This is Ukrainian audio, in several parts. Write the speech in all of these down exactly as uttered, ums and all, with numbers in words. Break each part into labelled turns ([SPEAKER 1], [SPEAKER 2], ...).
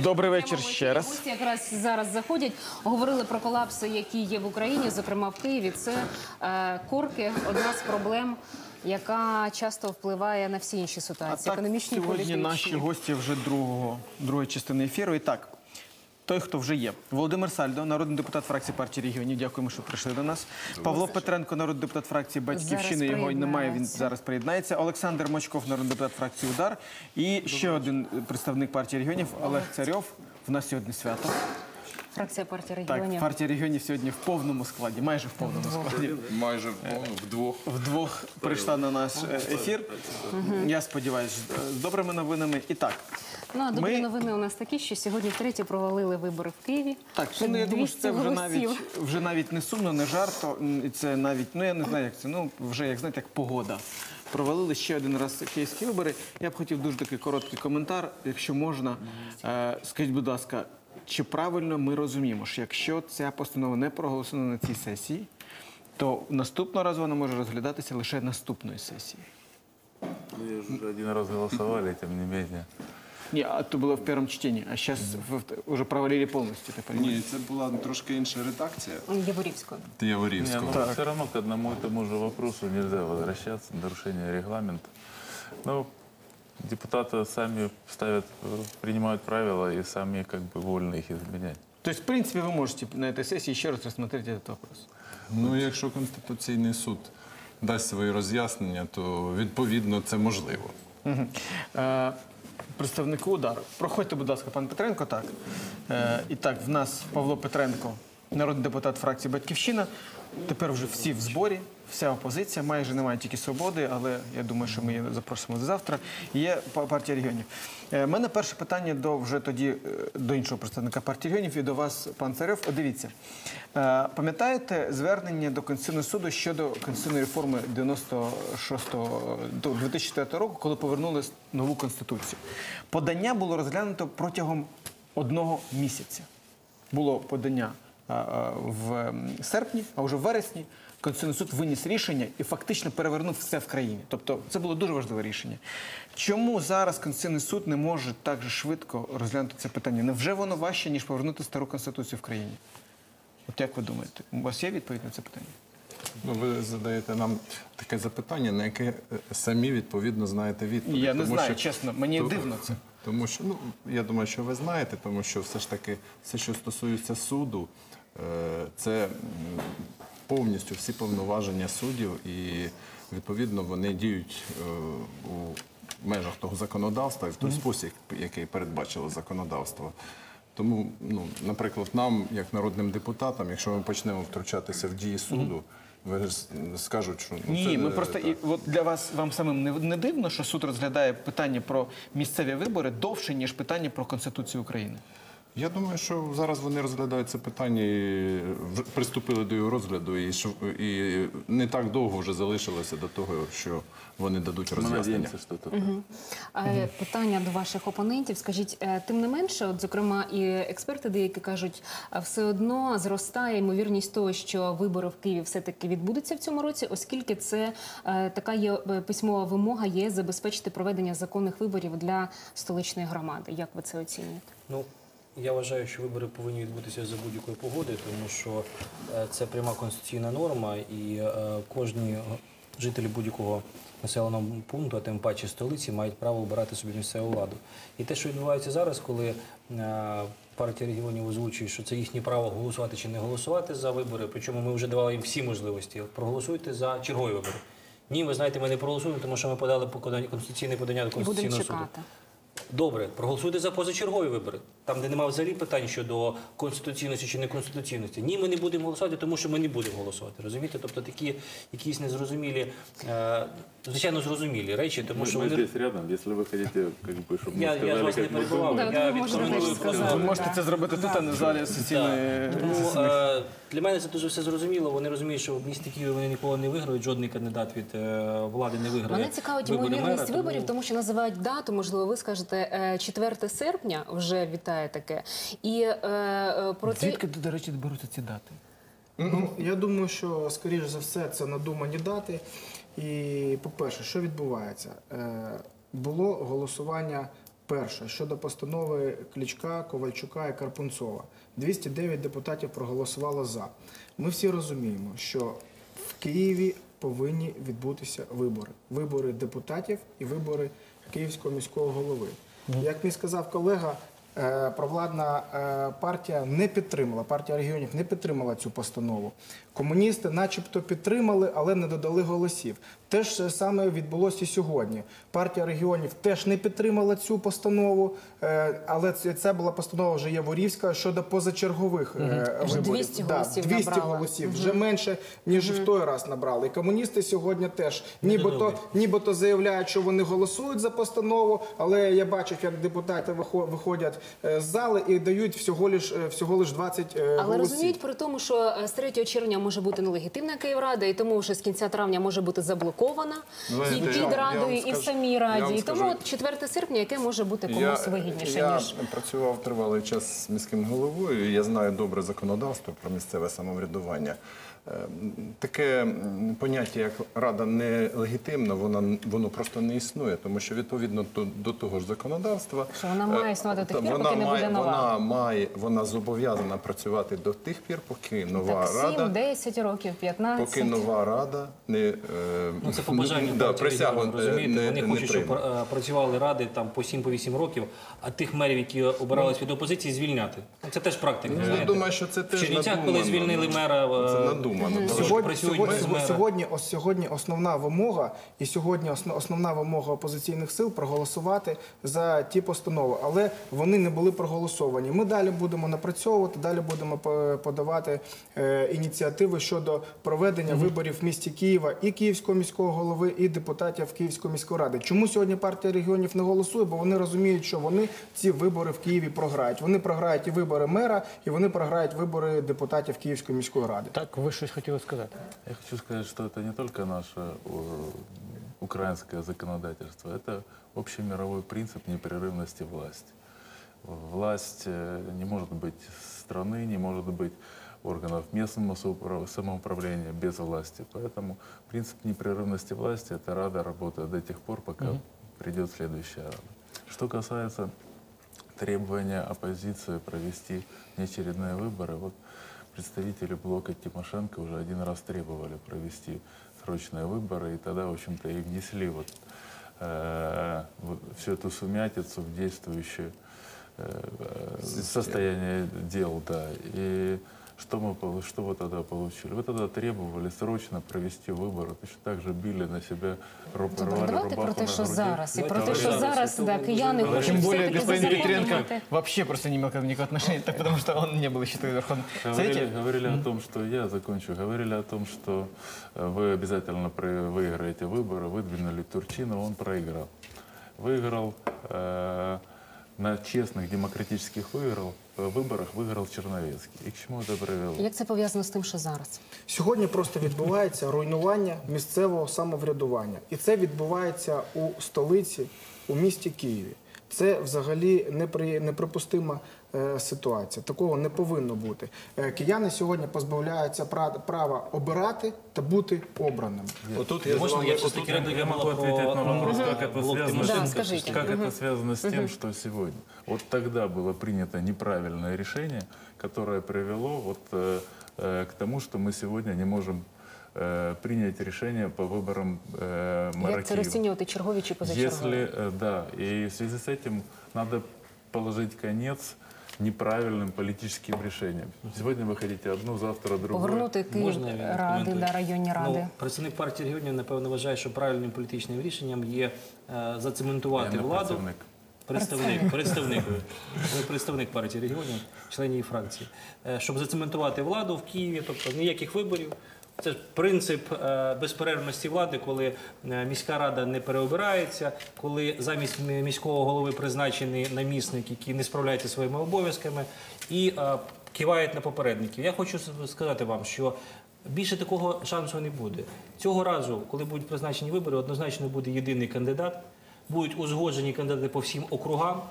[SPEAKER 1] Добрий вечір ще раз.
[SPEAKER 2] Гості якраз зараз заходять, говорили про колапси, які є в Україні, зокрема в Києві. Це е, корки, одна з проблем, яка часто впливає на всі інші ситуації, економічні, політичні.
[SPEAKER 1] Сьогодні наші гості вже другого, другої частини ефіру. І так, той, хто вже є. Володимир Сальдо, народний депутат фракції партії регіонів. Дякуємо, що прийшли до нас. Павло Петренко, народний депутат фракції Батьківщини. Його немає, він зараз приєднається. Олександр Мочков, народний депутат фракції Удар. І ще один представник партії регіонів, Олег Царьов. В нас сьогодні свято.
[SPEAKER 2] Фракція партії регіонів.
[SPEAKER 1] Так, партія регіонів сьогодні в повному складі, майже в повному складі.
[SPEAKER 3] Майже вдвох.
[SPEAKER 1] Вдвох прийшла на наш ефір. Я сподіваюся, з добрими новинами. І так.
[SPEAKER 2] Ну, а добрі новини у нас такі, що сьогодні втретє провалили вибори в Києві.
[SPEAKER 1] Так, ну, я думаю, що це вже навіть, вже навіть не сумно, не жарто. Це навіть, ну я не знаю, як це, ну вже, як знаєте, як погода. Провалили ще один раз київські вибори. Я б хотів дуже такий короткий коментар, якщо можна. Е, скажіть, будь ласка, чи правильно ми розуміємо, що якщо ця постанова не проголосована на цій сесії, то наступного разу вона може розглядатися лише наступної сесії?
[SPEAKER 3] Ну, вже один раз голосували, тим не менше.
[SPEAKER 1] Ні, а то було в першому читанні, а зараз вже провалили повністю.
[SPEAKER 4] Ні, це була трошки інша редакція.
[SPEAKER 2] Яворівського.
[SPEAKER 4] Яворівського.
[SPEAKER 3] Ну, все равно к одному и тому же вопросу нельзя возвращаться, нарушение регламента. Но депутаты сами ставят, принимают правила и сами как бы вольны их изменять.
[SPEAKER 1] То есть, в принципе, вы можете на этой сессии еще раз рассмотреть этот вопрос?
[SPEAKER 4] Ну, якщо Конституційний суд дасть свої роз'яснення, то відповідно це можливо.
[SPEAKER 1] Угу. Е, представнику Удару. Проходьте, будь ласка, пан Петренко. Так. Е, і так, в нас Павло Петренко, народний депутат фракції «Батьківщина». Тепер вже всі в зборі, вся опозиція. Майже немає тільки «Свободи», але я думаю, що ми її запросимо до завтра. Є партія регіонів. У мене перше питання до вже тоді до іншого представника партії регіонів і до вас, пан Царьов. О, дивіться, пам'ятаєте звернення до Конституційного суду щодо конституційної реформи дев'яносто шостого до дві тисячі четвертого року, коли повернули нову Конституцію? Подання було розглянуто протягом одного місяця. Було подання в серпні, а вже в вересні Конституційний суд виніс рішення і фактично перевернув все в країні. Тобто це було дуже важливе рішення. Чому зараз Конституційний суд не може так же швидко розглянути це питання? Невже воно важче, ніж повернути стару Конституцію в країні? От як ви думаєте? У вас є відповідь на це питання?
[SPEAKER 4] Ну, ви задаєте нам таке запитання, на яке самі, відповідно, знаєте відповідь.
[SPEAKER 1] Я не
[SPEAKER 4] тому,
[SPEAKER 1] знаю,
[SPEAKER 4] що,
[SPEAKER 1] чесно, мені
[SPEAKER 4] то,
[SPEAKER 1] дивно це.
[SPEAKER 4] Тому що, ну, я думаю, що ви знаєте, тому що все ж таки, все, що стосується суду, це повністю всі повноваження суддів і, відповідно, вони діють у межах того законодавства і в той спосіб, який передбачило законодавство. Тому, ну, наприклад, нам, як народним депутатам, якщо ми почнемо втручатися в дії суду, ви скажуть, що... Ну,
[SPEAKER 1] Ні,
[SPEAKER 4] це,
[SPEAKER 1] ми просто, і, от для вас, вам самим не, не дивно, що суд розглядає питання про місцеві вибори довше, ніж питання про Конституцію України?
[SPEAKER 4] Я думаю, що зараз вони розглядають це питання і приступили до його розгляду, і, і не так довго вже залишилося до того, що вони дадуть роз'яснення.
[SPEAKER 2] Угу. Угу. Питання до ваших опонентів. Скажіть, тим не менше, от, зокрема, і експерти деякі кажуть, все одно зростає ймовірність того, що вибори в Києві все-таки відбудуться в цьому році, оскільки це така є письмова вимога є забезпечити проведення законних виборів для столичної громади. Як ви це оцінюєте?
[SPEAKER 5] Ну, я вважаю, що вибори повинні відбутися за будь-якої погоди, тому що це пряма конституційна норма, і кожні жителі будь-якого населеного пункту, а тим паче столиці, мають право обирати собі місцеву владу. І те, що відбувається зараз, коли партія регіонів озвучує, що це їхнє право голосувати чи не голосувати за вибори, причому ми вже давали їм всі можливості. Проголосуйте за чергові вибори. Ні, ви знаєте, ми не проголосуємо, тому що ми подали конституційне подання до Конституційного суду. Добре, проголосуйте за позачергові вибори, там, де немає взагалі питань щодо конституційності чи неконституційності. Ні, ми не будемо голосувати, тому що ми не будемо голосувати. Розумієте? Тобто такі якісь незрозумілі, е, звичайно, зрозумілі речі, тому що
[SPEAKER 3] ми
[SPEAKER 5] вони...
[SPEAKER 3] тут рядом, якщо ви хочете, щоб ми
[SPEAKER 5] я,
[SPEAKER 3] сказали,
[SPEAKER 5] я вас не перебував, я відкоментую.
[SPEAKER 1] Ви можете це зробити тут, а не в залі сесійної.
[SPEAKER 5] Тому е, для мене це дуже все зрозуміло. Вони розуміють, що в місті Києві вони ніколи не виграють, жодний кандидат від е, влади не виграє.
[SPEAKER 2] Мене цікавить ймовірність виборів, тому що називають дату, можливо, ви скажете, четверте серпня вже вітає таке. І е, про це...
[SPEAKER 1] Звідки, до речі, беруться ці дати?
[SPEAKER 6] Ну, я думаю, що, скоріш за все, це надумані дати. І, по-перше, що відбувається? Е, було голосування Перше, щодо постанови Кличка, Ковальчука і Карпунцова. двісті дев'ять депутатів проголосувало за. Ми всі розуміємо, що в Києві повинні відбутися вибори. Вибори депутатів і вибори Київського міського голови. Як мені сказав колега, е, провладна е, партія не підтримала, партія регіонів не підтримала цю постанову. Комуністи начебто підтримали, але не додали голосів. Те ж саме відбулося і сьогодні. Партія регіонів теж не підтримала цю постанову, е, але це, це була постанова вже Яворівська щодо позачергових е,
[SPEAKER 2] Вже
[SPEAKER 6] виборів.
[SPEAKER 2] двісті
[SPEAKER 6] Да,
[SPEAKER 2] голосів
[SPEAKER 6] двісті
[SPEAKER 2] набрала.
[SPEAKER 6] голосів, вже менше, ніж в той раз набрали. І комуністи сьогодні теж нібито, нібито заявляють, що вони голосують за постанову, але я бачив, як депутати вихо- виходять е, з зали і дають всього лиш, е, всього лиш двадцять е,
[SPEAKER 2] Але
[SPEAKER 6] голосів.
[SPEAKER 2] розуміють при тому, що е, з третього червня може бути нелегітимна Київрада, і тому вже з кінця травня може бути заблокована
[SPEAKER 4] Знаєте,
[SPEAKER 2] і
[SPEAKER 4] я
[SPEAKER 2] під
[SPEAKER 4] вам- я
[SPEAKER 2] радою,
[SPEAKER 4] вам
[SPEAKER 2] і в
[SPEAKER 4] скажу-
[SPEAKER 2] самій
[SPEAKER 4] я
[SPEAKER 2] раді.
[SPEAKER 4] вам
[SPEAKER 2] І тому
[SPEAKER 4] скажу-
[SPEAKER 2] от четверте серпня, яке може бути комусь вигідніше,
[SPEAKER 4] я
[SPEAKER 2] ніж...
[SPEAKER 4] працював тривалий час з міським головою, і я знаю добре законодавство про місцеве самоврядування. Е, Таке м, поняття, як рада нелегітимна, воно, воно просто не існує, тому що відповідно до, до того ж законодавства,
[SPEAKER 2] Що вона має
[SPEAKER 4] е,
[SPEAKER 2] існувати до тих
[SPEAKER 4] та
[SPEAKER 2] пір,
[SPEAKER 4] вона
[SPEAKER 2] поки не
[SPEAKER 4] має,
[SPEAKER 2] буде нова.
[SPEAKER 4] Вона має, вона зобов'язана працювати до тих пір, поки нова
[SPEAKER 2] Так,
[SPEAKER 4] рада.
[SPEAKER 2] сім, десять років, п'ятнадцять.
[SPEAKER 4] Поки нова рада не е,
[SPEAKER 5] Ну, це побажання
[SPEAKER 4] да,
[SPEAKER 5] партії
[SPEAKER 4] присягу
[SPEAKER 5] регіонів,
[SPEAKER 4] е,
[SPEAKER 5] розумієте?
[SPEAKER 4] не,
[SPEAKER 5] Вони
[SPEAKER 4] не
[SPEAKER 5] хочуть, щоб
[SPEAKER 4] прийме.
[SPEAKER 5] е, працювали ради там по сім-вісім років, а тих мерів, які обирались від опозиції, звільняти. Ну, Це теж практика.
[SPEAKER 4] Ну, я
[SPEAKER 5] знаєте.
[SPEAKER 4] думаю, що це
[SPEAKER 5] В
[SPEAKER 4] теж
[SPEAKER 5] Чернівцях,
[SPEAKER 4] надумано.
[SPEAKER 5] коли звільнили мера, е,
[SPEAKER 4] Це надумано. тому що
[SPEAKER 6] Сьогодні,
[SPEAKER 5] працюють
[SPEAKER 6] сьогодні,
[SPEAKER 5] без мера.
[SPEAKER 6] сьогодні, ос- сьогодні основна вимога і сьогодні осно- основна вимога опозиційних сил проголосувати за ті постанови, але вони не були проголосовані. Ми далі будемо напрацьовувати, далі будемо по- подавати е, ініціативи щодо проведення виборів в місті Києва і Київського міського голови, і депутатів Київської міської ради. Чому сьогодні партія регіонів не голосує? Бо вони розуміють, що вони ці вибори в Києві програють. Вони програють і вибори мера, і вони програють вибори депутатів Київської міської ради.
[SPEAKER 1] Так, ви щось хотіли сказати?
[SPEAKER 3] Я хочу сказать, что это не только наше э, украинское законодательство, это общемировой принцип непрерывности власти. Власть э, не может быть страны, не может быть органов местного соупра- самоуправления без власти. Поэтому принцип непрерывности власти – это Рада работает до тех пор, пока придет следующая Рада. Что касается требования оппозиции провести неочередные выборы, вот представители блока Тимошенко уже один раз требовали провести срочные выборы, и тогда, в общем-то, и внесли вот, э, вот всю эту сумятицу в действующее э, состояние дел, да. И что мы, полу- что вы тогда получили? Вы тогда требовали срочно провести выборы, точно так же били на себя, ру-
[SPEAKER 2] Добре,
[SPEAKER 3] рвали
[SPEAKER 2] давайте
[SPEAKER 3] рубаху
[SPEAKER 2] про те,
[SPEAKER 3] на
[SPEAKER 2] що
[SPEAKER 3] груди.
[SPEAKER 2] зараз, і про
[SPEAKER 5] Давайте
[SPEAKER 2] те, що
[SPEAKER 5] зараз.
[SPEAKER 2] зараз
[SPEAKER 5] Це
[SPEAKER 2] да,
[SPEAKER 5] дуже
[SPEAKER 2] кияни
[SPEAKER 5] важливо.
[SPEAKER 2] хочуть
[SPEAKER 1] Тем более
[SPEAKER 2] все-таки
[SPEAKER 1] господин Петренко
[SPEAKER 2] зазаконювати.
[SPEAKER 1] вообще просто не имел к этому никакого отношения, так потому что он не был еще тогда Верховным
[SPEAKER 3] Говорили,
[SPEAKER 1] Совете.
[SPEAKER 3] говорили о том, что я закончу. Говорили о том, что э, вы обязательно про- выиграете выборы. Выдвинули Турчинова, он проиграл. Выиграл э, на честных демократических выиграл, э, выборах выиграл Черновецкий. И к чему это привело?
[SPEAKER 2] Як це пов'язано з тим, що зараз?
[SPEAKER 6] Сьогодні просто відбувається руйнування місцевого самоврядування. І це відбувається у столиці, у місті Києві. Це взагалі непри- неприпустима е, ситуація. Такого не повинно бути. Е, Кияни сьогодні позбавляються пра- права обирати та бути обраними.
[SPEAKER 4] Отут я з
[SPEAKER 5] Можна
[SPEAKER 4] вами-
[SPEAKER 5] я все-таки
[SPEAKER 3] Я
[SPEAKER 5] реагую
[SPEAKER 3] могу ответить на вопрос, как это
[SPEAKER 5] блок
[SPEAKER 3] связано,
[SPEAKER 5] Тимошенко?
[SPEAKER 2] Да, скажите.
[SPEAKER 3] как это связано с тем, что сегодня. Вот тогда было принято неправильное решение, которое привело вот, э, э, к тому, что мы сегодня не можем э, принять решение по выборам э, мэра
[SPEAKER 2] Як це
[SPEAKER 3] Киева.
[SPEAKER 2] розцінювати, чергові чи позачергові?
[SPEAKER 3] Если, э, да, и в связи с этим надо положить конец неправильным политическим решениям. Сегодня вы хотите одну, завтра другую.
[SPEAKER 2] Повернути Київ
[SPEAKER 5] Можна я
[SPEAKER 2] ради,
[SPEAKER 5] відкоментую?
[SPEAKER 2] да, районні ради.
[SPEAKER 5] Ну, представник партії регіонів, напевно, вважає, що правильним політичним рішенням є е, зацементувати
[SPEAKER 3] Я не
[SPEAKER 5] владу.
[SPEAKER 3] представник.
[SPEAKER 5] Представник, представник. Ви представник партії регіонів, член її фракції. Е, Щоб зацементувати владу в Києві, тобто ніяких виборів. Це ж принцип е, безперервності влади, коли е, міська рада не переобирається, коли замість мі- міського голови призначений намісник, який не справляється зі своїми обов'язками, і е, кивають на попередників. Я хочу с- сказати вам, що більше такого шансу не буде. Цього разу, коли будуть призначені вибори, однозначно буде єдиний кандидат, будуть узгоджені кандидати по всім округам.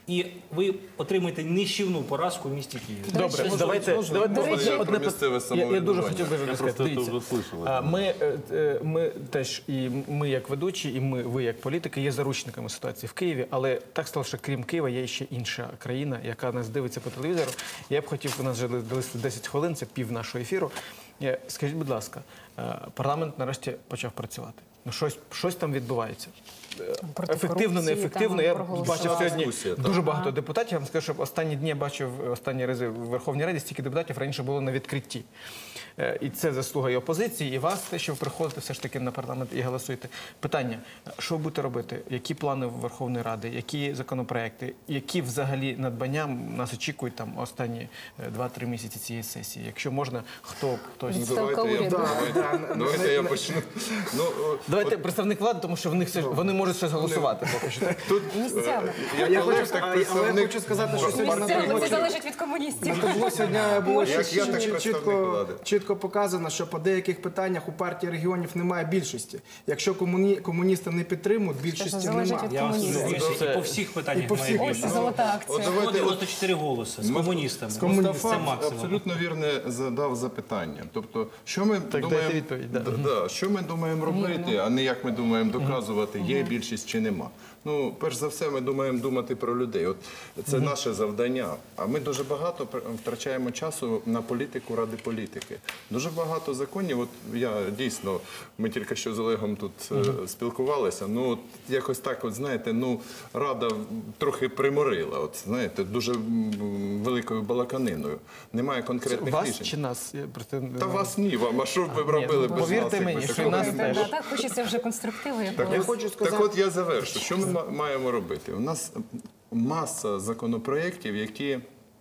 [SPEAKER 5] І ви отримаєте нищівну поразку в місті Києві.
[SPEAKER 1] Добре,
[SPEAKER 5] Це
[SPEAKER 1] давайте,
[SPEAKER 5] можливо.
[SPEAKER 1] давайте
[SPEAKER 2] До
[SPEAKER 1] одне,
[SPEAKER 2] речі,
[SPEAKER 1] одне
[SPEAKER 4] про місцеве
[SPEAKER 1] пит- я, я дуже
[SPEAKER 4] самоврядування.
[SPEAKER 1] хотів би
[SPEAKER 3] Я
[SPEAKER 1] сказати.
[SPEAKER 3] просто это
[SPEAKER 1] Дивіться,
[SPEAKER 3] уже слышал.
[SPEAKER 1] а,
[SPEAKER 3] это.
[SPEAKER 1] ми, е, е, ми теж, і ми як ведучі, і ми, ви як політики, є заручниками ситуації в Києві, але так стало, що крім Києва є ще інша країна, яка нас дивиться по телевізору. Я б хотів, у нас вже залишилось десять хвилин, це пів нашого ефіру. Е, Скажіть, будь ласка, е, парламент нарешті почав працювати. Ну, щось, щось там відбувається. Е,
[SPEAKER 2] Проти
[SPEAKER 1] Ефективно,
[SPEAKER 2] корупції
[SPEAKER 1] неефективно.
[SPEAKER 2] там
[SPEAKER 1] Я
[SPEAKER 2] проголосували.
[SPEAKER 1] бачив сьогодні
[SPEAKER 4] Дискусія, так.
[SPEAKER 1] дуже багато депутатів. Я вам скажу, що останні дні я бачив останні рази в Верховній Раді стільки депутатів раніше було на відкритті. Е, І це заслуга і опозиції, і вас, те, що ви приходите все ж таки на парламент і голосуєте. Питання, що ви будете робити? Які плани Верховної Ради, які законопроекти, які взагалі надбання нас очікують там останні е, два-три місяці цієї сесії? Якщо можна, хто хтось.
[SPEAKER 2] Відставка
[SPEAKER 4] Давайте я,
[SPEAKER 2] уряду.
[SPEAKER 4] давайте, давайте я почну. Ну, о,
[SPEAKER 1] Давайте представник влади, тому що в них все ж- вони можуть щось голосувати поки що.
[SPEAKER 4] тут
[SPEAKER 2] Місцями.
[SPEAKER 4] я,
[SPEAKER 6] Я
[SPEAKER 4] коли
[SPEAKER 6] хочу,
[SPEAKER 4] так
[SPEAKER 6] а, але я
[SPEAKER 4] представник
[SPEAKER 6] хочу сказати, що сьогодні на
[SPEAKER 2] Місцями, це
[SPEAKER 6] табло
[SPEAKER 2] залежить від комуністів.
[SPEAKER 6] на табло сьогодні було
[SPEAKER 4] Як
[SPEAKER 6] чіт-
[SPEAKER 4] я, так
[SPEAKER 6] чіт-
[SPEAKER 4] представник
[SPEAKER 6] чітко,
[SPEAKER 4] влади.
[SPEAKER 6] чітко показано, що по деяких питаннях у партії регіонів немає більшості. Якщо комуні, комуністи не підтримують, більшості
[SPEAKER 2] залежить
[SPEAKER 6] немає.
[SPEAKER 2] від
[SPEAKER 5] Я вам
[SPEAKER 2] комуністів.
[SPEAKER 5] скажу,
[SPEAKER 1] Це-
[SPEAKER 5] і по всіх питаннях
[SPEAKER 6] і по
[SPEAKER 5] має
[SPEAKER 6] всіх.
[SPEAKER 5] більше.
[SPEAKER 2] Ось золота
[SPEAKER 4] От
[SPEAKER 2] акція.
[SPEAKER 4] давайте, от,
[SPEAKER 5] дев'яносто чотири голоси з комуністами.
[SPEAKER 4] Мустафа
[SPEAKER 5] Це максимум.
[SPEAKER 4] абсолютно вірне задав запитання. Тобто, що ми
[SPEAKER 1] дайте
[SPEAKER 4] думаємо,
[SPEAKER 1] відповідь, да.
[SPEAKER 4] Да, да, що ми думаємо робити, а не як ми думаємо доказувати, є більшість чи нема. Ну, перш за все, ми думаємо думати про людей. От це наше завдання. А ми дуже багато пр- втрачаємо часу на політику ради політики. Дуже багато законів. От я дійсно, ми тільки що з Олегом тут е, спілкувалися. Ну, от якось так, от знаєте, ну рада трохи приморила. От знаєте, дуже м, великою балаканиною. Немає конкретних
[SPEAKER 1] Вас
[SPEAKER 4] рішень.
[SPEAKER 1] чи нас? Я просто не-
[SPEAKER 4] Та вас ні, вам. А що б ви б
[SPEAKER 1] ні,
[SPEAKER 4] робили
[SPEAKER 1] ну,
[SPEAKER 4] без
[SPEAKER 1] повірте
[SPEAKER 4] нас? якби
[SPEAKER 1] мені, що
[SPEAKER 4] такого
[SPEAKER 1] і нас
[SPEAKER 4] не
[SPEAKER 1] теж.
[SPEAKER 4] було?
[SPEAKER 2] Так, хочеться вже конструктиву
[SPEAKER 4] Так,
[SPEAKER 2] якогось.
[SPEAKER 6] Я
[SPEAKER 4] от,
[SPEAKER 6] хочу сказати-
[SPEAKER 4] так от я завершу. Що ми ма- маємо робити? У нас маса законопроєктів, які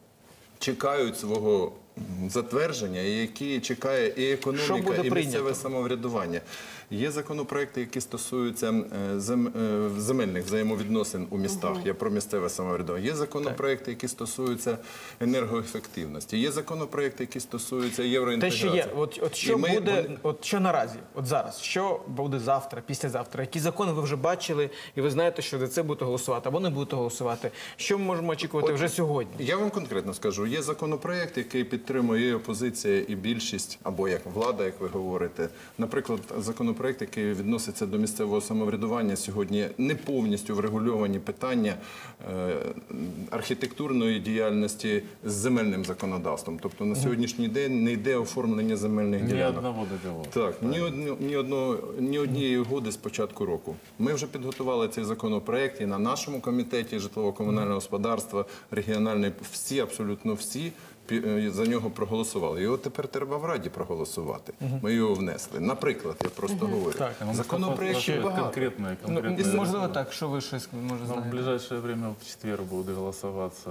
[SPEAKER 4] чекають свого м, затвердження, і які чекає і
[SPEAKER 1] Що
[SPEAKER 4] економіка,
[SPEAKER 1] буде
[SPEAKER 4] і місцеве
[SPEAKER 1] прийнято?
[SPEAKER 4] самоврядування. Є законопроекти, які стосуються е, зем- е, земельних взаємовідносин у містах. Я про місцеве самоврядування. Є законопроекти, які стосуються енергоефективності. Є законопроекти, які стосуються
[SPEAKER 1] Те,
[SPEAKER 4] євроінтеграції.
[SPEAKER 1] що є, от, от що
[SPEAKER 4] І ми-
[SPEAKER 1] буде,
[SPEAKER 4] вони-
[SPEAKER 1] от що наразі, от зараз, що буде завтра, післязавтра, які закони ви вже бачили, і ви знаєте, що за це будете голосувати, або не будете голосувати. Що ми можемо очікувати вже сьогодні?
[SPEAKER 4] Я вам конкретно скажу, є законопроект, який підтримує і опозиція, і більшість, або як влада, як ви говорите. Наприклад, законопроект, який відноситься до місцевого самоврядування, сьогодні не повністю врегульовані питання е, архітектурної діяльності з земельним законодавством. Тобто на сьогоднішній день не йде оформлення земельних
[SPEAKER 3] Ни
[SPEAKER 4] ділянок.
[SPEAKER 3] одного договора.
[SPEAKER 4] Так, ні, одно- ні, одного, ні однієї угоди з початку року. Ми вже підготували цей законопроект і на нашому комітеті житлово-комунального господарства, регіональний, всі, абсолютно всі пі- за нього проголосували. Його тепер треба в Раді проголосувати. Ми його внесли. Наприклад, я просто говорю.
[SPEAKER 1] Так,
[SPEAKER 3] Ну,
[SPEAKER 4] Законопроєктів
[SPEAKER 3] Конкретные,
[SPEAKER 4] багато.
[SPEAKER 3] конкретные,
[SPEAKER 1] Ну,
[SPEAKER 3] конкретные
[SPEAKER 1] можливо, так, що ви щось може
[SPEAKER 3] Ну, в
[SPEAKER 1] знаєте?
[SPEAKER 3] ближайшее время в четверг будут голосоваться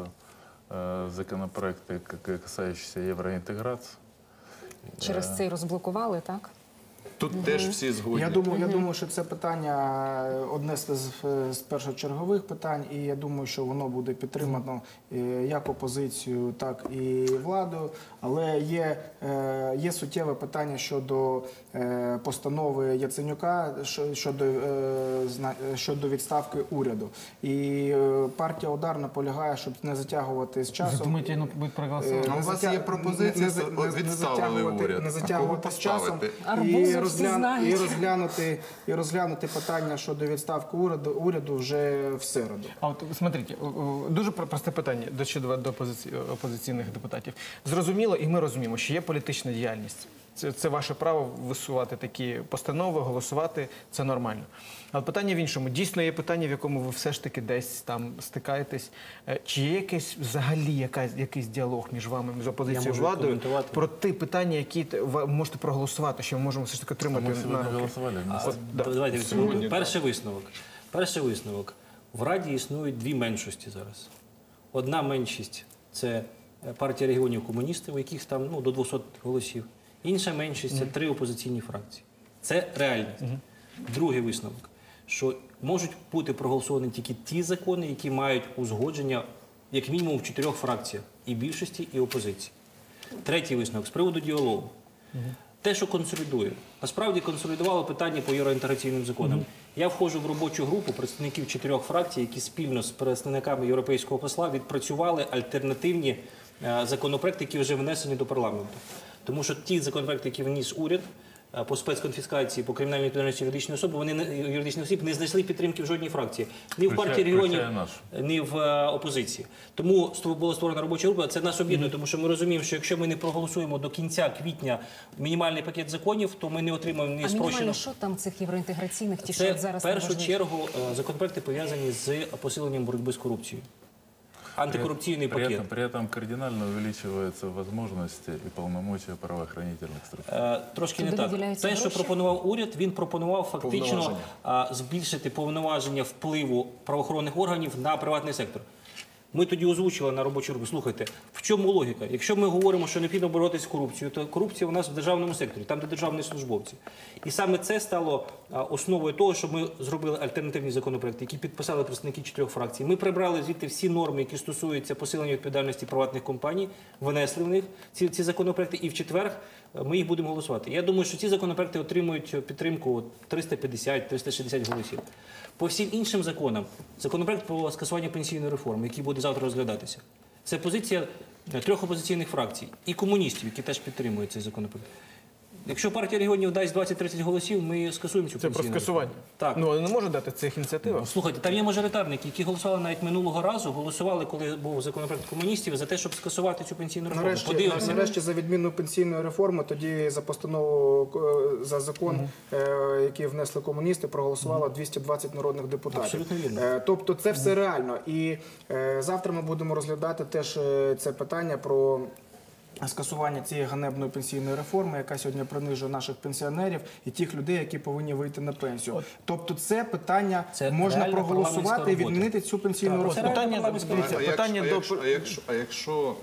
[SPEAKER 3] э, законопроекты, к- касающиеся евроинтеграции.
[SPEAKER 2] Через це й розблокували, так?
[SPEAKER 4] Тут теж всі згодні.
[SPEAKER 6] Я думаю, я думаю, що це питання одне з, з- з першочергових питань, і я думаю, що воно буде підтримано е, як опозицією, так і владою. Але є, е, є суттєве питання щодо е, постанови Яценюка що- щодо, е, зна- щодо відставки уряду. І е, партія «Удар» наполягає, щоб не затягувати з
[SPEAKER 1] Ви
[SPEAKER 6] часом.
[SPEAKER 1] думаєте, ну будуть проголосувати?
[SPEAKER 4] Ну, у
[SPEAKER 6] Не
[SPEAKER 4] вас
[SPEAKER 6] затя-
[SPEAKER 4] є пропозиції,
[SPEAKER 6] не- не-
[SPEAKER 4] от
[SPEAKER 6] не- не
[SPEAKER 4] відставили
[SPEAKER 6] затягувати-
[SPEAKER 4] уряд.
[SPEAKER 6] Не
[SPEAKER 4] А кого
[SPEAKER 6] затягувати з часом
[SPEAKER 4] поставити?
[SPEAKER 2] Арбузов
[SPEAKER 6] і,
[SPEAKER 2] всі
[SPEAKER 6] розглян-
[SPEAKER 2] знають.
[SPEAKER 6] і розглянути і розглянути питання щодо відставки уряду уряду вже в середу.
[SPEAKER 1] А от смотрите, о- о, дуже про- просте питання до щодо до опозиці- опозиційних депутатів. Зрозуміло, і ми розуміємо, що є політична діяльність. Це, це ваше право висувати такі постанови, голосувати. Це нормально. Але питання в іншому. Дійсно є питання, в якому ви все ж таки десь там стикаєтесь. Е, Чи є якийсь взагалі якась, якийсь діалог між вами, з опозицією
[SPEAKER 5] можу
[SPEAKER 1] владою
[SPEAKER 5] коментувати.
[SPEAKER 1] про ті питання, які т- ви можете проголосувати, що ми можемо все ж таки
[SPEAKER 3] А
[SPEAKER 1] отримати
[SPEAKER 3] мы
[SPEAKER 1] на
[SPEAKER 3] сегодня
[SPEAKER 1] руки?
[SPEAKER 3] голосовали.
[SPEAKER 5] А,
[SPEAKER 3] вместе.
[SPEAKER 1] да.
[SPEAKER 5] Давайте
[SPEAKER 4] Сьогодні
[SPEAKER 5] відповідь.
[SPEAKER 4] так.
[SPEAKER 5] Перший висновок. Перший висновок. В Раді існують дві меншості зараз. Одна меншість це партія регіонів комуністів, у яких там ну, до двохсот голосів. Інша меншість це три опозиційні фракції. Це реальність. Другий висновок, що можуть бути проголосовані тільки ті закони, які мають узгодження як мінімум в чотирьох фракціях і більшості, і опозиції. Третій висновок з приводу діалогу. те, що консолідує. Насправді консолідувало питання по євроінтеграційним законам. Я входжу в робочу групу представників чотирьох фракцій, які спільно з представниками європейського посла відпрацювали альтернативні е, законопроекти, які вже внесені до парламенту. Тому що ті законопроекти, які вніс уряд е, по спецконфіскації, по кримінальній відповідальності юридичної особи, вони не- юридичних осіб не знайшли підтримки в жодній фракції. Ні в
[SPEAKER 3] Включая-
[SPEAKER 5] партії регіонів,
[SPEAKER 3] включая нашу.
[SPEAKER 5] ні в е, опозиції. Тому ство- була створена робоча група. Це нас об'єднує, тому що ми розуміємо, що якщо ми не проголосуємо до кінця квітня мінімальний пакет законів, то ми не отримаємо ні
[SPEAKER 2] А мінімально
[SPEAKER 5] спрощеного.
[SPEAKER 2] що там цих євроінтеграційних, ті,
[SPEAKER 5] Це
[SPEAKER 2] що зараз
[SPEAKER 5] в першу
[SPEAKER 2] найважливіше?
[SPEAKER 5] чергу е, законопроекти пов'язані з посиленням боротьби з корупцією. Антикорупційний
[SPEAKER 3] при,
[SPEAKER 5] пакет.
[SPEAKER 3] этом, при этом кардинально увеличиваются возможности и полномочия правоохранительных структур.
[SPEAKER 5] Е, Трошки не
[SPEAKER 2] Туди
[SPEAKER 5] так.
[SPEAKER 2] виділяються
[SPEAKER 5] Те, що
[SPEAKER 2] гроші?
[SPEAKER 5] пропонував уряд, він пропонував фактично
[SPEAKER 4] Повноваження.
[SPEAKER 5] а, збільшити повноваження впливу правоохоронних органів на приватний сектор. Ми тоді озвучили на робочу групу, слухайте, в чому логіка? Якщо ми говоримо, що необхідно боротися з корупцією, то корупція у нас в державному секторі, там, де державні службовці. І саме це стало а, основою того, що ми зробили альтернативні законопроекти, які підписали представники чотирьох фракцій. Ми прибрали звідти всі норми, які стосуються посилення відповідальності приватних компаній, внесли в них ці, ці законопроекти, і в четвер е, ми їх будемо голосувати. Я думаю, що ці законопроекти отримують підтримку триста п'ятдесят - триста шістдесят голосів. По всім іншим законам, законопроект про скасування пенсійної реформи, який буде завтра розглядатися, це позиція трьох опозиційних фракцій і комуністів, які теж підтримують цей законопроект. Якщо партія регіонів дасть двадцять-тридцять голосів, ми скасуємо цю
[SPEAKER 1] Це про
[SPEAKER 5] пенсійну
[SPEAKER 1] скасування.
[SPEAKER 5] реформу. Так.
[SPEAKER 1] Ну, вони не можуть дати цих ініціатив.
[SPEAKER 5] Слухайте, там є мажоритарники, які голосували навіть минулого разу, голосували, коли був законопроект комуністів, за те, щоб скасувати цю пенсійну реформу.
[SPEAKER 6] Нарешті,
[SPEAKER 5] Подивимося.
[SPEAKER 6] нарешті за відміну пенсійної реформи, тоді за постанову е, за закон, е, який внесли комуністи, проголосувало двісті двадцять народних депутатів.
[SPEAKER 5] Абсолютно вірно.
[SPEAKER 6] Е, Тобто це все реально. І е, завтра ми будемо розглядати теж е, це питання про скасування цієї ганебної пенсійної реформи, яка сьогодні принижує наших пенсіонерів і тих людей, які повинні вийти на пенсію. Тобто це питання
[SPEAKER 5] Це
[SPEAKER 6] можна
[SPEAKER 5] реальна
[SPEAKER 6] проголосувати і
[SPEAKER 5] парламентська робота.
[SPEAKER 6] відмінити цю пенсійну
[SPEAKER 5] Так, це
[SPEAKER 6] реформу.
[SPEAKER 1] Питання,
[SPEAKER 5] реально
[SPEAKER 1] дивіться,
[SPEAKER 4] А якщо-
[SPEAKER 1] питання
[SPEAKER 4] а
[SPEAKER 1] до...
[SPEAKER 4] якщо, а якщо, а якщо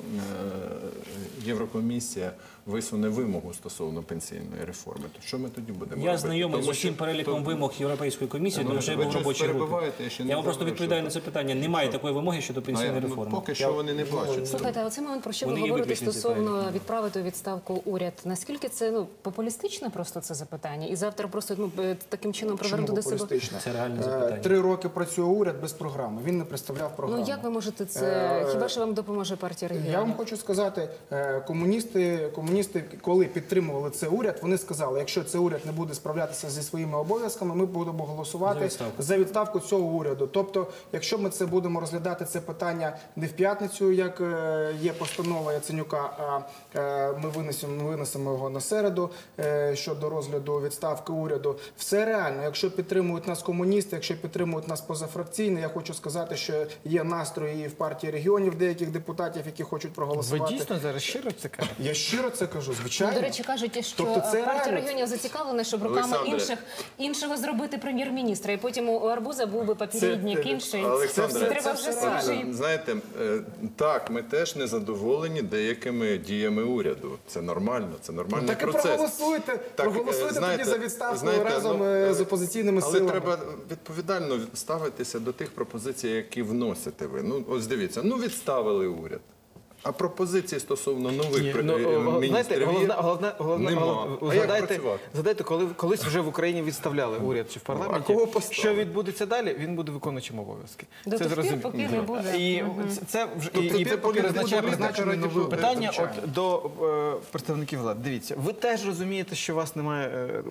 [SPEAKER 4] е, Єврокомісія висуне вимогу стосовно пенсійної реформи, то що ми тоді будемо
[SPEAKER 5] Я
[SPEAKER 4] робити?
[SPEAKER 5] знайомий з
[SPEAKER 4] Тому що-
[SPEAKER 5] усім переліком
[SPEAKER 4] то-
[SPEAKER 5] вимог Європейської комісії,
[SPEAKER 4] Ну,
[SPEAKER 5] тому що я
[SPEAKER 4] ви
[SPEAKER 5] був в
[SPEAKER 4] щось
[SPEAKER 5] робочій групі.
[SPEAKER 4] перебиваєте, я ще не
[SPEAKER 5] Я вам просто
[SPEAKER 4] знаю,
[SPEAKER 5] відповідаю
[SPEAKER 4] що-
[SPEAKER 5] на це питання. Немає такої вимоги щодо
[SPEAKER 4] А,
[SPEAKER 5] пенсійної
[SPEAKER 4] ну,
[SPEAKER 5] реформи.
[SPEAKER 4] Поки
[SPEAKER 5] Я-
[SPEAKER 4] що вони не бачать.
[SPEAKER 2] Слухайте, а оцей момент, про що ви
[SPEAKER 5] Вони є
[SPEAKER 2] говорите
[SPEAKER 5] виключені,
[SPEAKER 2] стосовно відправити у відставку уряд, наскільки це ну популістичне просто це запитання? І завтра просто ну е, таким чином
[SPEAKER 6] Чому
[SPEAKER 2] привернути до себе.
[SPEAKER 6] популістично?
[SPEAKER 5] Це реальне
[SPEAKER 6] Е,
[SPEAKER 5] запитання.
[SPEAKER 6] Три роки працює уряд без програми. Він не представляв програму.
[SPEAKER 2] Ну як ви можете це?
[SPEAKER 6] Е,
[SPEAKER 2] Хіба що вам допоможе партія регіонів?
[SPEAKER 6] Я вам хочу сказати, е, комуністи, комуністи, коли підтримували цей уряд, вони сказали, якщо цей уряд не буде справлятися зі своїми обов'язками, ми будемо
[SPEAKER 5] За
[SPEAKER 6] голосувати
[SPEAKER 5] відставку.
[SPEAKER 6] за відставку цього уряду. Тобто, якщо ми це будемо розглядати це питання не в п'ятницю, як е, є постанова Яценюка, а е, ми винесемо, ми винесемо його на середу е, щодо розгляду відставки уряду. Все реально. Якщо підтримують нас комуністи, якщо підтримують нас позафракційні, я хочу сказати, що є настрої і в партії регіонів деяких депутатів, які хочуть
[SPEAKER 1] Ви
[SPEAKER 6] проголосувати.
[SPEAKER 1] дійсно зараз щиро це кажете?
[SPEAKER 6] Я щиро це кажу, звичайно.
[SPEAKER 2] Ну, до речі, кажуть, що
[SPEAKER 6] Тобто це
[SPEAKER 2] партія
[SPEAKER 6] реально.
[SPEAKER 2] регіонів зацікавлена, щоб руками
[SPEAKER 4] Олександре.
[SPEAKER 2] інших іншого зробити прем'єр-міністра. І потім у Арбуза був би попередник
[SPEAKER 6] Це-
[SPEAKER 2] інший.
[SPEAKER 4] Олександре,
[SPEAKER 2] Це треба
[SPEAKER 6] це
[SPEAKER 2] вже
[SPEAKER 6] все
[SPEAKER 2] свіжий.
[SPEAKER 6] реально.
[SPEAKER 4] Знаєте, е, так, ми теж не задоволені деякими діями уряду. Це нормально, це нормальний
[SPEAKER 6] Так і
[SPEAKER 4] процес.
[SPEAKER 6] проголосуйте,
[SPEAKER 4] Так, е,
[SPEAKER 6] проголосуйте
[SPEAKER 4] знаєте-
[SPEAKER 6] тоді за відставку
[SPEAKER 4] знаєте,
[SPEAKER 6] разом
[SPEAKER 4] ну,
[SPEAKER 6] е,
[SPEAKER 4] е,
[SPEAKER 6] з опозиційними
[SPEAKER 4] Але
[SPEAKER 6] силами.
[SPEAKER 4] треба відповідально ставитися до тих пропозицій, які вносите ви. Ну, ось дивіться, ну відставили уряд. А пропозиції стосовно нових
[SPEAKER 1] Ні,
[SPEAKER 4] при-
[SPEAKER 1] ну,
[SPEAKER 4] е,
[SPEAKER 1] о,
[SPEAKER 4] міністрів
[SPEAKER 1] знаєте,
[SPEAKER 4] є?
[SPEAKER 1] головне, головне, головне,
[SPEAKER 4] Нема.
[SPEAKER 1] головне-
[SPEAKER 4] А як
[SPEAKER 1] згадайте,
[SPEAKER 4] працювати?
[SPEAKER 1] згадайте, коли колись вже в Україні відставляли уряд чи в парламенті.
[SPEAKER 4] А кого поставили?
[SPEAKER 1] Що відбудеться далі? Він буде виконуючим обов'язки.
[SPEAKER 2] До
[SPEAKER 1] це
[SPEAKER 2] тих пір,
[SPEAKER 1] зрозуміло.
[SPEAKER 2] поки не буде.
[SPEAKER 1] І це, це вже
[SPEAKER 4] Тобто
[SPEAKER 1] і, і
[SPEAKER 4] ти
[SPEAKER 1] це
[SPEAKER 4] поки
[SPEAKER 1] призначає
[SPEAKER 4] буде
[SPEAKER 1] призначений
[SPEAKER 4] раді
[SPEAKER 1] новий
[SPEAKER 4] Бога,
[SPEAKER 1] питання.
[SPEAKER 6] звичайно.
[SPEAKER 1] От до е, представників влади. Дивіться, ви теж розумієте, що у вас немає е, е,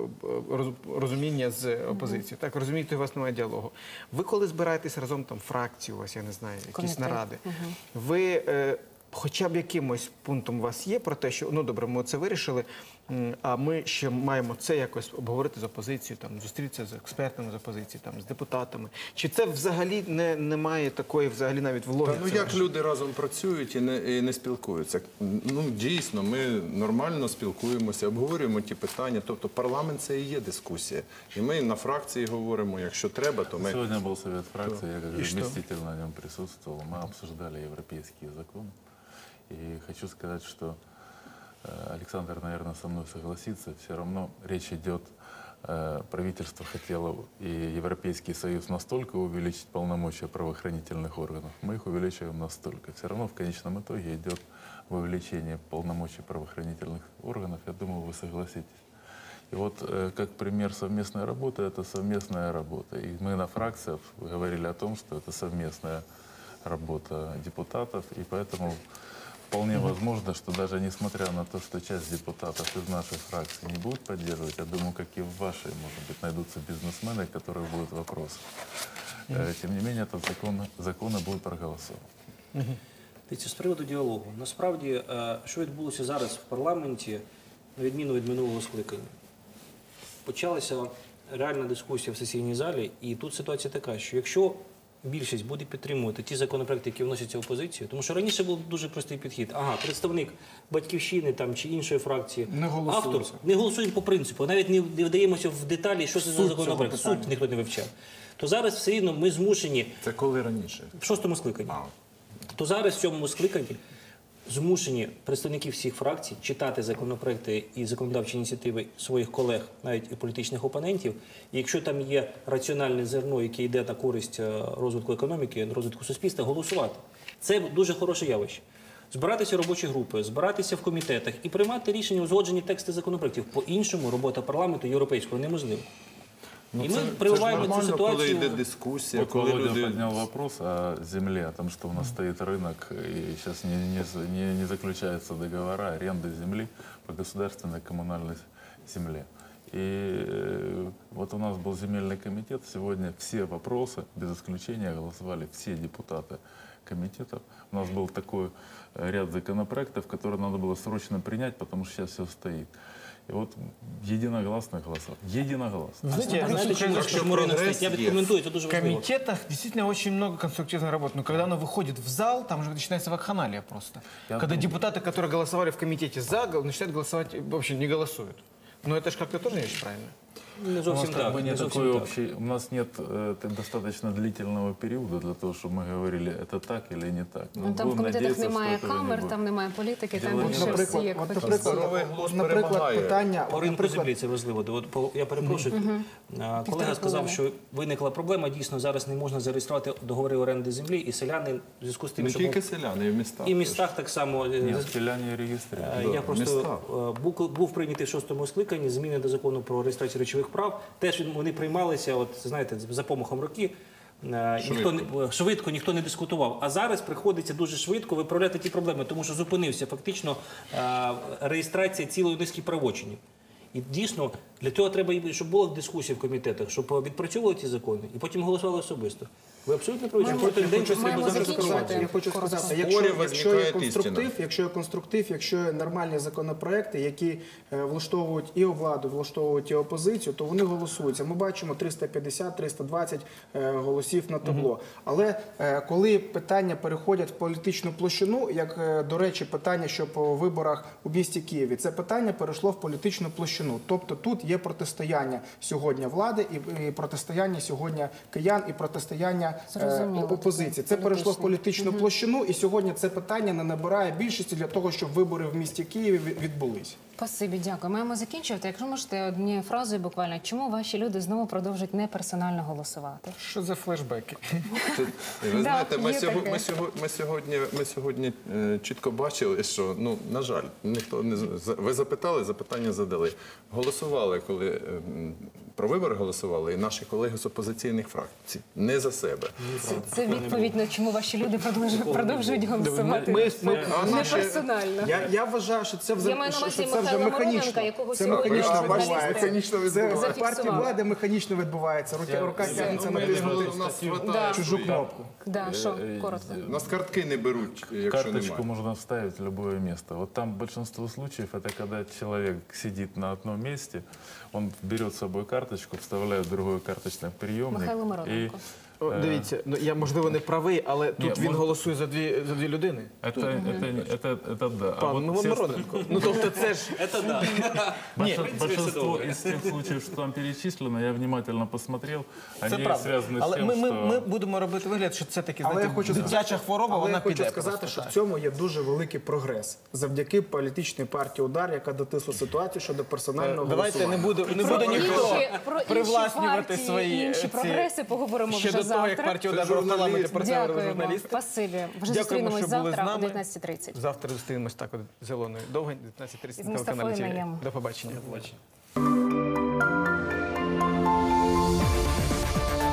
[SPEAKER 1] роз- розуміння з опозицією. Так, розумієте, у вас немає діалогу. Ви коли збираєтесь разом там фракцію, у вас я не знаю, якісь
[SPEAKER 2] Комітет.
[SPEAKER 1] наради. Ви е, хоча б якимось пунктом у вас є про те, що ну добре, ми це вирішили, м, а ми ще маємо це якось обговорити з опозицією, там зустрітися з експертами з опозиції, там з депутатами. Чи це взагалі не немає такої, взагалі навіть в
[SPEAKER 4] Та,
[SPEAKER 1] логіці?
[SPEAKER 4] ну як люди разом працюють і не, і не спілкуються? Ну дійсно, ми нормально спілкуємося, обговорюємо ті питання. Тобто парламент це і є дискусія. І ми на фракції говоримо, якщо треба, то ми
[SPEAKER 3] Сегодня был совет фракции, я как
[SPEAKER 1] И что?
[SPEAKER 3] заместитель на нем присутствовал. Мы обсуждали европейские законы. И хочу сказать, что э, Александр, наверное, со мной согласится, все равно речь идет э, правительство хотело и Европейский Союз настолько увеличить полномочия правоохранительных органов, мы их увеличиваем настолько. Все равно в конечном итоге идет увеличение полномочий правоохранительных органов. Я думаю, вы согласитесь. И вот э, как пример совместной работы, это совместная работа. И мы на фракциях говорили о том, что это совместная работа депутатов, и поэтому вполне возможно, что даже несмотря на то, что часть депутатов из нашей фракции не будут поддерживать, я думаю, как и в вашей, может быть, найдутся бизнесмены, которые будут вопросы. Э, Тем не менее, этот закон, законы будут проголосованы.
[SPEAKER 5] Дивіться, з приводу діалогу. Насправді, е, що відбулося зараз в парламенті, на відміну від минулого скликання, почалася реальна дискусія в сесійній залі, і тут ситуація така, що якщо більшість буде підтримувати ті законопроекти, які вносяться опозицією, тому що раніше був дуже простий підхід. Ага, представник «Батьківщини» там, чи іншої фракції,
[SPEAKER 6] Не голосується.
[SPEAKER 5] автор, не голосують по принципу, навіть не не вдаємося в деталі, що це за
[SPEAKER 6] Суть
[SPEAKER 5] законопроект,
[SPEAKER 6] цього
[SPEAKER 5] суть ніхто не вивчав. То зараз все рівно ми змушені
[SPEAKER 4] Це коли раніше?
[SPEAKER 5] в шостому скликанні.
[SPEAKER 4] А,
[SPEAKER 5] То зараз в цьому скликанні змушені представники всіх фракцій читати законопроекти і законодавчі ініціативи своїх колег, навіть і політичних опонентів. І якщо там є раціональне зерно, яке йде на користь е, розвитку економіки, розвитку суспільства, голосувати. Це дуже хороше явище. Збиратися в робочі групи, збиратися в комітетах і приймати рішення, узгоджені тексти законопроектів. По-іншому робота парламенту європейського неможлива.
[SPEAKER 4] ну
[SPEAKER 5] І
[SPEAKER 4] це,
[SPEAKER 5] ми
[SPEAKER 4] це ж
[SPEAKER 5] прививаємо цю
[SPEAKER 4] нормально, коли
[SPEAKER 5] ситуацію.
[SPEAKER 4] йде дискусія,
[SPEAKER 3] Вот
[SPEAKER 4] коли
[SPEAKER 3] Володя
[SPEAKER 4] люди...
[SPEAKER 3] поднял вопрос о земле, о том, что у нас стоит рынок, и сейчас не, не, не, не заключаются договора аренды земли по государственной коммунальной земле. И э, вот у нас был земельный комитет, сегодня все вопросы, без исключения, голосовали все депутаты комитетов. У нас был такой э, ряд законопроектов, которые надо было срочно принять, потому что сейчас все стоит. И вот единогласно голосовали. Единогласно.
[SPEAKER 1] Вы знаете,
[SPEAKER 5] Знаєте,
[SPEAKER 1] насколько
[SPEAKER 5] чому
[SPEAKER 1] я
[SPEAKER 5] ж
[SPEAKER 1] знаю,
[SPEAKER 5] чому ринок
[SPEAKER 4] прогрес
[SPEAKER 5] стоїть? Я
[SPEAKER 4] є.
[SPEAKER 5] відкоментую, це дуже
[SPEAKER 1] в
[SPEAKER 5] важливо.
[SPEAKER 1] комитетах действительно очень много конструктивной работы. Но когда оно выходит в зал, там уже начинается вакханалия просто.
[SPEAKER 3] Я
[SPEAKER 1] Когда
[SPEAKER 3] думаю-
[SPEAKER 1] депутаты, которые голосовали в комитете за, гол- начинают голосовать, вообще не голосуют. Но это же как-то тоже не очень правильно.
[SPEAKER 5] Не
[SPEAKER 3] У нас
[SPEAKER 5] зовсім
[SPEAKER 3] как
[SPEAKER 5] так.
[SPEAKER 3] бы не
[SPEAKER 5] не зовсім
[SPEAKER 3] такой
[SPEAKER 5] так.
[SPEAKER 3] общий, у нас нет э, т- достаточно длительного периода для того, чтобы мы говорили, это так или не так.
[SPEAKER 2] Ну, там в
[SPEAKER 3] будем
[SPEAKER 2] комітетах
[SPEAKER 3] надеяться,
[SPEAKER 2] немає
[SPEAKER 3] что этого не
[SPEAKER 2] камер,
[SPEAKER 3] будет.
[SPEAKER 2] там немає політики, там
[SPEAKER 3] Діло
[SPEAKER 2] більше
[SPEAKER 3] не-
[SPEAKER 2] всі
[SPEAKER 6] Наприклад,
[SPEAKER 2] як
[SPEAKER 6] от,
[SPEAKER 2] фахівці.
[SPEAKER 6] наприклад,
[SPEAKER 4] Здоровий
[SPEAKER 6] от,
[SPEAKER 4] глузд
[SPEAKER 6] наприклад,
[SPEAKER 4] перемагає.
[SPEAKER 6] питання,
[SPEAKER 5] По
[SPEAKER 6] от,
[SPEAKER 5] ринку
[SPEAKER 6] наприклад,
[SPEAKER 5] землі це важливо. От, по- я перепрошую. А, Колега сказав, що виникла проблема. Дійсно, зараз не можна зареєструвати договори оренди землі, і селяни в зв'язку з тим,
[SPEAKER 4] Не
[SPEAKER 5] що
[SPEAKER 4] тільки
[SPEAKER 5] був-
[SPEAKER 4] селяни, і в містах.
[SPEAKER 5] і в містах так само. е,
[SPEAKER 3] Нет, селяне регистрируют.
[SPEAKER 5] Е,
[SPEAKER 4] Да,
[SPEAKER 5] Я просто
[SPEAKER 4] міста.
[SPEAKER 5] е, був, був прийнятий в шостому скликанні зміни до закону про реєстрацію речових прав. Теж він- вони приймалися, от знаєте, за помахом роки. Е, Ніхто не е, швидко ніхто не дискутував. А зараз приходиться дуже швидко виправляти ті проблеми, тому що зупинився фактично е, реєстрація цілої низки правочинів. І дійсно для цього треба, і щоб була дискусія в комітетах, щоб відпрацьовували ці закони і потім голосували особисто. Ви абсолютно праві, що кожен день щось треба
[SPEAKER 2] маємо
[SPEAKER 6] Зараз
[SPEAKER 2] закінчувати.
[SPEAKER 6] сказати, я хочу
[SPEAKER 2] Коротко.
[SPEAKER 6] сказати,
[SPEAKER 4] В
[SPEAKER 6] якщо,
[SPEAKER 4] спорі
[SPEAKER 6] якщо є
[SPEAKER 4] виникає
[SPEAKER 6] конструктив,
[SPEAKER 4] істина.
[SPEAKER 6] якщо є конструктив, якщо є нормальні законопроекти, які е, влаштовують і владу, влаштовують і опозицію, то вони голосуються. Ми бачимо триста п'ятдесят - триста двадцять е, голосів на табло. Але е, коли питання переходять в політичну площину, як, е, до речі, питання, що по виборах у місті Києві, це питання перейшло в політичну площину. Тобто тут є протистояння сьогодні влади і, і протистояння сьогодні киян, і протистояння е,
[SPEAKER 2] Зрозуміло.
[SPEAKER 6] опозиції. Це перейшло в
[SPEAKER 2] Політичне.
[SPEAKER 6] політичну площину, і сьогодні це питання не набирає більшості для того, щоб вибори в місті Києві від- відбулись.
[SPEAKER 2] Спасибі, дякую. Маємо закінчувати. Якщо можете однією фразою буквально, чому ваші люди знову продовжують неперсонально голосувати?
[SPEAKER 1] Что за флешбеки?
[SPEAKER 4] Це- Ви
[SPEAKER 2] Да,
[SPEAKER 4] знаєте, ми
[SPEAKER 2] є
[SPEAKER 4] сьогодні,
[SPEAKER 2] таке.
[SPEAKER 4] ми сьогодні, ми сьогодні, ми сьогодні е, чітко бачили, що, ну, на жаль, ніхто не з- за- ви запитали, запитання задали. Голосували, коли е, м, про вибори голосували, і наші колеги з опозиційних фракцій. Не за себе.
[SPEAKER 2] Це, це відповідь на чому ваші люди продовжують, продовжують голосувати.
[SPEAKER 1] Ми, ми,
[SPEAKER 6] А
[SPEAKER 2] Не
[SPEAKER 6] наші-
[SPEAKER 2] персонально.
[SPEAKER 6] Я, я вважаю, що це вже,
[SPEAKER 2] Я маю на
[SPEAKER 6] що
[SPEAKER 2] увазі
[SPEAKER 6] це вже
[SPEAKER 2] Михайла
[SPEAKER 6] механічно.
[SPEAKER 2] Мироненка, якого
[SPEAKER 6] Це
[SPEAKER 2] сьогодні
[SPEAKER 6] механічно
[SPEAKER 2] журналісти
[SPEAKER 6] відбувається.
[SPEAKER 4] Механічно
[SPEAKER 6] Це
[SPEAKER 4] відбувається.
[SPEAKER 6] в партії
[SPEAKER 2] Зафіксували.
[SPEAKER 6] влади механічно відбувається. Рука, рука тягнеться
[SPEAKER 4] Ми
[SPEAKER 6] натиснути
[SPEAKER 4] у нас хватає
[SPEAKER 2] Да.
[SPEAKER 6] чужу
[SPEAKER 4] свої.
[SPEAKER 6] кнопку.
[SPEAKER 2] Да, що,
[SPEAKER 3] Е,
[SPEAKER 2] коротко.
[SPEAKER 4] У нас картки не беруть, якщо
[SPEAKER 3] Карточку
[SPEAKER 4] немає.
[SPEAKER 3] можно вставить в любое место. Вот там большинство случаев это когда человек сидит на одном месте, он берет с собой карточку, вставляет в другой карточный приемник
[SPEAKER 2] Михайло
[SPEAKER 3] и
[SPEAKER 2] Мироненко.
[SPEAKER 1] О, дивіться, ну я можливо не правий, але тут
[SPEAKER 3] Ні,
[SPEAKER 1] він
[SPEAKER 3] може-
[SPEAKER 1] голосує за дві за дві людини.
[SPEAKER 3] Это, это, это, это да. А
[SPEAKER 1] Пан
[SPEAKER 3] вот все
[SPEAKER 1] Мироненко. Ну тобто це ж
[SPEAKER 5] Це да.
[SPEAKER 3] Больш-
[SPEAKER 5] все
[SPEAKER 3] Большинство
[SPEAKER 5] добре.
[SPEAKER 3] из тех случаев, что там перечислено, я внимательно посмотрел,
[SPEAKER 1] це
[SPEAKER 3] они
[SPEAKER 1] правда.
[SPEAKER 3] связаны с
[SPEAKER 1] Але
[SPEAKER 3] тем,
[SPEAKER 1] ми, ми,
[SPEAKER 3] что...
[SPEAKER 1] ми будемо робити вигляд, що це таки
[SPEAKER 6] Але
[SPEAKER 1] знаєте,
[SPEAKER 6] я хочу
[SPEAKER 1] дитяча
[SPEAKER 6] сказати-
[SPEAKER 1] хвороба,
[SPEAKER 6] Але
[SPEAKER 1] вона
[SPEAKER 6] я хочу
[SPEAKER 1] піде.
[SPEAKER 6] сказати,
[SPEAKER 1] просто
[SPEAKER 6] що
[SPEAKER 1] так.
[SPEAKER 6] в цьому є дуже великий прогрес завдяки політичній партії «Удар», яка дотисла ситуацію щодо персонального
[SPEAKER 1] Давайте не
[SPEAKER 6] голосування.
[SPEAKER 1] буде, не
[SPEAKER 2] Про
[SPEAKER 1] буде ніхто
[SPEAKER 2] інші, про інші
[SPEAKER 1] привласнювати
[SPEAKER 2] партії,
[SPEAKER 1] свої
[SPEAKER 2] інші
[SPEAKER 1] ці-
[SPEAKER 2] прогреси поговоримо
[SPEAKER 1] ще
[SPEAKER 2] вже
[SPEAKER 1] до того, як
[SPEAKER 2] завтра.
[SPEAKER 1] партія «Удар» в парламенті працювали
[SPEAKER 2] Дякуємо.
[SPEAKER 1] журналісти.
[SPEAKER 2] Спасибі. Вже
[SPEAKER 1] Дякуємо,
[SPEAKER 2] зустрінемось
[SPEAKER 1] що були з
[SPEAKER 2] завтра о
[SPEAKER 1] нами.
[SPEAKER 2] дев'ятнадцять тридцять.
[SPEAKER 1] Завтра зустрінемось так от зеленою довгень, дев'ятнадцять
[SPEAKER 2] Із
[SPEAKER 1] тридцять на телеканалі
[SPEAKER 2] Мустафою
[SPEAKER 1] ТІВІ.
[SPEAKER 2] Найєм.
[SPEAKER 1] До побачення.
[SPEAKER 5] Бачите.